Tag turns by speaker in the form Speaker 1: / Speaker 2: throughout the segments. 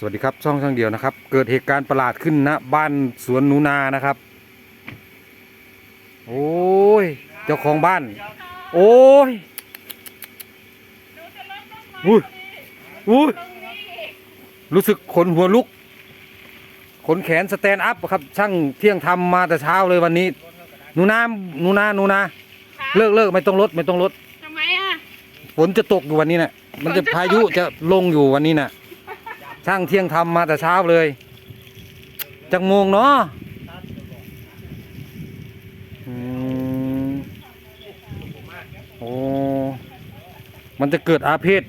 Speaker 1: วัสดีครับช่องเดียวนะครับ เกิดเหตุการณ์ประหลาดขึ้นนะบ้านสวนหนูนานะครับโอ้ยเจ้าของบ้านโอ้ยอุ้ยอุ้ยรู้สึกขนหัวลุกขนแขนสแตนด์อัพครับช่างเที่ยงทำมาแต่เช้าเลยวันนี้หนูนาเลิกไม่ต้องลด
Speaker 2: ทำไมอ่ะ
Speaker 1: ฝนจะตกอยู่วันนี้น่ะมันจะพายุจะลงอยู่วันนี้น่ะช่างเที่ยงทำมาแต่เช้าเลยจักโมงเนาะโอ้มันจะเกิดอาเพศ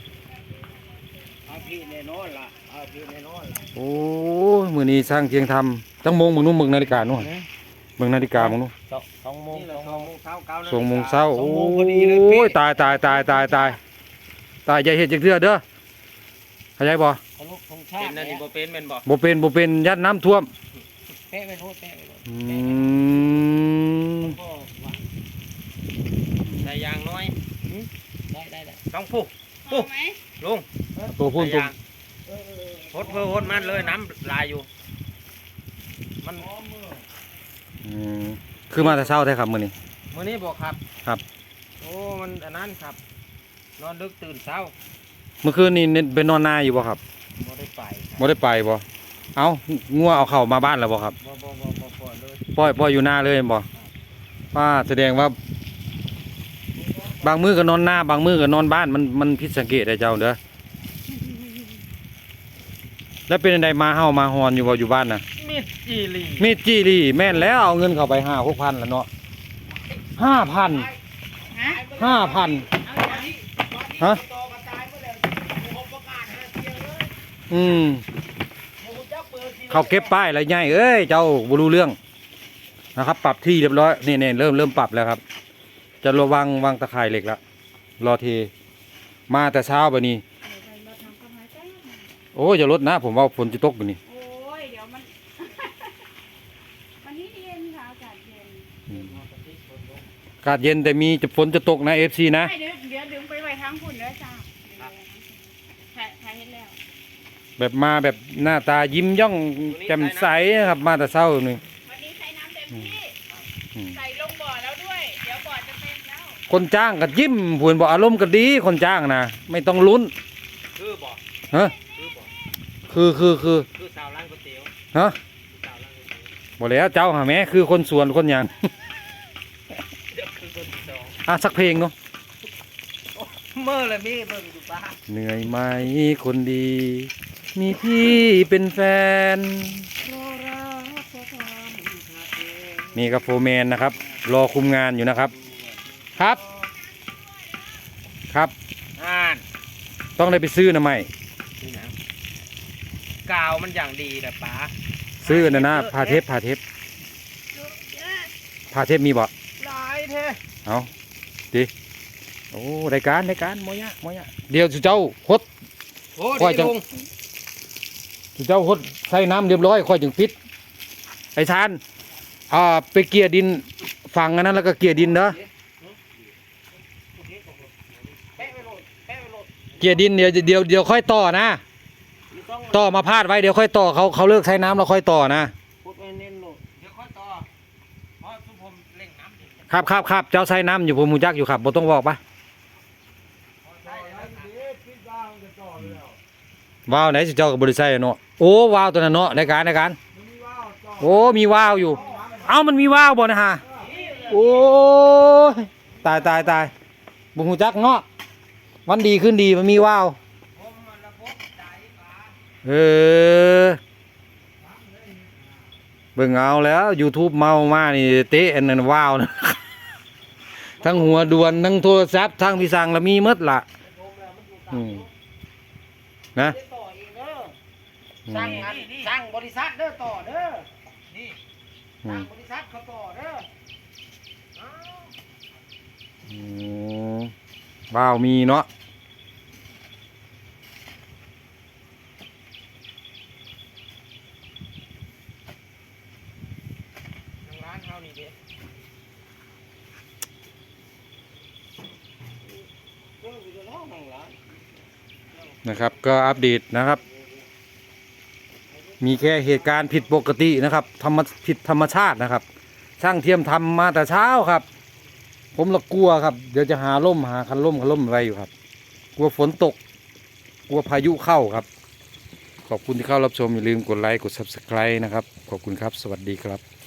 Speaker 1: โอ้มือนี้ช่างเที่ยงทำจักโมงมึงนู้นมึงนาฬิกานู้นมึงนาฬิกามึงนู้น2 โมงเช้าโอ้ยตายอย่าเห็นจังเทื่อเด้อเข้าใจบ่
Speaker 3: เป็นนั่นนี่บ่เป็นเป็นบ่
Speaker 1: บ่เป็นยัดน้ำท่วม
Speaker 3: เป๊ะไปโทษได้ยางน้อยได้ต้องปุ๊บลุง
Speaker 1: ตัวพุ่นตัว
Speaker 3: โหดมันเลยน้ำลายอยู่มัน
Speaker 1: คือมาแต่เช้าแท้ครับมื้อนี้
Speaker 3: บอกครับ
Speaker 1: ครับ
Speaker 3: โอ้มันอันนั้นครับนอนดึกตื่นเช้า
Speaker 1: เมื่อคืนนี้ไปนอนนาอยู่บ่ครับ
Speaker 3: บ่ได้ไป
Speaker 1: บ่เอางัวเอาเข้ามาบ้านแล้วบ่ครับ
Speaker 3: บ่เลย
Speaker 1: ปล่อยอยู่นาเลยบ่ป้าแสดงว่าบางมื้อก็นอนนาบางมื้อก็นอนบ้านมันผิดสังเกตได้เจ้าเด้อแล้วเป็นไดมาเฮามาฮอนอยู่บ่อยู่บ้านน่ะ
Speaker 3: มีดจี
Speaker 1: รีแม่นแล้วเอาเงินเข้าไป5-6,000แล้วเนาะ5,000ฮะเขาเก็บป้ายอะไรใหญ่เอ้ยเจ้าบ่รู้เรื่องนะครับปรับที่เรียบร้อยนี่เริ่มปรับแล้วครับจะระวังวางตะข่ายเหล็กแล้วรอเทมาแต่เช้าแบบนี้โอ้ยอย่าลดนะผมว่าฝนจะตกแบบนี้
Speaker 2: โอ้ยเดี๋ยวมัน วันนี้เย็นค่ะอากาศเย็น
Speaker 1: อากาศเย็นแต่มีฝนจะตกนะ FC นะ
Speaker 2: เดี๋ยวดึงไปไว้ทั้งฝุ่นเลยจ้าถ่ายเห็นแล้ว
Speaker 1: แบบมาแบบหน้าตายิ้มย่องแจ่มใสครับมาแต่เช้าหนึ่ง
Speaker 2: วันนี้ใช้น้ำเต็มที่ใส่ลงบ่อแล้วด้วยเดี๋ยวบ่อจะเต็มแล้ว
Speaker 1: คนจ้างก็ยิ้มผุนบอกอารมณ์ก็ดีคนจ้างนะไม่ต้องลุ้น
Speaker 3: คือบ่
Speaker 1: ฮะคือ
Speaker 3: สาวร้านก๋วยเตี๋ยว
Speaker 1: ฮะบอกแล้วเจ้าหาแม่คือคนสวนคนอย่างสักเพลงเนาะ
Speaker 3: เมื่อไรมีเบิ่งอยู่บ้าน
Speaker 1: เหนื่อยไหมคนดีมีพี่เป็นแฟนนี่กับโฟร์แมนนะครับรอคุมงานอยู่นะครับต้องได้ไปซื้อนะไม่
Speaker 3: กาวมันอย่างดีแต่ป๋า
Speaker 1: ซื้อนะพาเทปมีบ่
Speaker 3: หลายเท่
Speaker 1: เอาดิโอ้รายการมอยะเดี๋ยวสุเจ้าฮดค่อยจังสุเจ้าฮดใส่น้ำเรียบร้อยค่อยจึงปิดไอ้ชานไปเกี่ยดินฝังอันนั้นแล้วก็เกี่ยดินเนาะเกี่ยดินเดี๋ยวค่อยต่อนะต่อมาพาดไว้เดี๋ยวค่อยต่อเขาเลิกใช้น้ำแล้วค่อยต่อนะครับเจ้าใช้น้ำอยู่ผมมูจักอยู่ครับบ่ต้องบอกปะว้าวไหนสิเจ้ากับบริษัทเนาะโอ้ว้าวตัวนั้นเนาะในการโอ้มีว้าวอยู่เอ้ามันมีว้าวบ่นะฮะโอ้ตายบุหูจักเนาะวันดีขึ้นดีมันมีว้าวเบิ่งเอาแล้ว YouTube เมามานี่เตะอันนั้นว้าวนะทั้งหัวด่วนทั้งโทรศัพท์ทั้งพี่สั่งแล้วมีหมดล่ะนะ
Speaker 3: สั่งบริษัทเด้อต่อเด้อนี่สั่งบริษัทเขาต่อเด้อ
Speaker 1: ว้าวมีเนาะ
Speaker 3: ร้านเฮานี่เด้
Speaker 1: นะครับก็อัปเดตนะครับมีแค่เหตุการณ์ผิดปกตินะครับผิดธรรมชาตินะครับ ช่างเทียมทำมาแต่เช้าครับ ผมละกลัวครับเดี๋ยวจะหาคันล่มอะไรอยู่ครับ กลัวฝนตก กลัวพายุเข้าครับ ขอบคุณที่เข้ารับชมอย่าลืมกดไลค์กด Subscribe นะครับขอบคุณครับสวัสดีครับ